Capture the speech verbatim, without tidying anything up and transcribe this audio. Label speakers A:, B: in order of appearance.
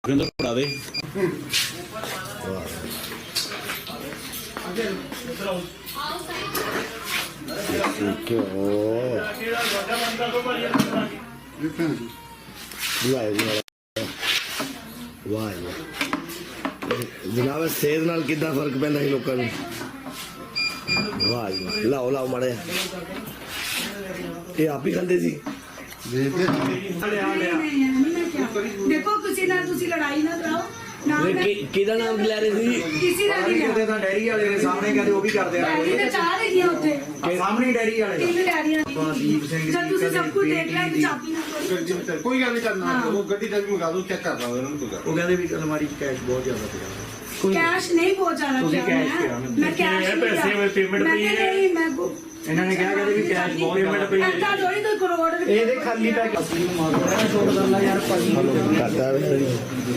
A: ਕਹਿੰਦਾ ਫੜਾ ਦੇ
B: ਵਾਹ ਜਨਾਬ ਸਿਹਤ ਨਾਲ ਕਿੱਦਾਂ ਫਰਕ ਪੈਂਦਾ ਸੀ ਲੋਕਾਂ ਨੂੰ ਵਾਹ ਜੀ ਲਾਓ ਲਾਓ ਮਾੜਾ ਜਿਹਾ ਇਹ ਆਪ ਹੀ ਖਾਂਦੇ ਸੀ
C: ਦੇਖੋ ਕਿਸੇ ਨਾਲ ਤੁਸੀਂ ਲੜਾਈ ਨਾ ਕਰਾਓ ਨਾ
B: ਕਿਹਦਾ ਨਾਮ ਲੈ ਰਹੇ ਸੀ
C: ਕਿਸੇ ਦਾ ਨਹੀਂ
D: ਕਿਤੇ ਤਾਂ ਡੈਰੀ ਵਾਲੇ ਦੇ ਸਾਹਮਣੇ ਕਹਿੰਦੇ ਉਹ ਵੀ ਕਰਦੇ ਆ
C: ਡੈਡੀ ਤੇ ਚਾਹ ਰਹੀ ਆ ਉੱਥੇ
D: ਸਾਹਮਣੇ ਡੈਰੀ ਵਾਲੇ
C: ਤਿੰਨ ਡੈਡੀਆਂ
D: ਦੀਪ ਸਿੰਘ
C: ਜਦ ਤੁਸੀਂ ਸਭ ਕੁਝ ਦੇਖ ਲਿਆ ਤੇ ਚਾਬੀ ਨਾ ਕਰੋ
E: ਕੋਈ ਗੱਲ ਨਹੀਂ ਕਰਨਾ ਉਹ ਗੱਡੀ ਤੱਕ ਮੰਗਾ ਦੋ ਚੈੱਕ ਕਰ ਲਵਾਂ ਇਹਨਾਂ ਨੂੰ ਕੋਈ
D: ਉਹ ਕਹਿੰਦੇ ਵੀ ਅਲਮਾਰੀ 'ਚ ਕੈਸ਼ ਬਹੁਤ ਜ਼ਿਆਦਾ ਪਿਆ
C: ਕੈਸ਼ ਨਹੀਂ ਪਹੁੰਚਾਣਾ
D: ਤੁਸੀਂ cash ਕਿਹਾ ਮੈਨੂੰ।
C: ਮੈਂ ਕੈਸ਼ ਪੈਸੇ ਵਿੱਚ ਪੇਮੈਂਟ ਪਈ ਹੈ ਨਹੀਂ ਮੈਂ
D: ਇਹਨਾਂ ਨੇ ਕਿਹਾ ਕਹਿੰਦੇ ਵੀ ਕੈਸ਼ ਬਹੁਤ ਪੇਮੈਂਟ ਪਈ
C: ਐਂਦਾ ਥੋੜੀ ਕੋਈ ਕਰੋੜ
D: ਇਹਦੇ ਖਾਲੀ ਪੈਕ ਅਸੀਂ ਨੂੰ ਮਾਰੋ ਨਾ ਛੋੜ ਦਿੰਦਾ ਯਾਰ ਭਾਜੀ
B: ਕਰਦਾ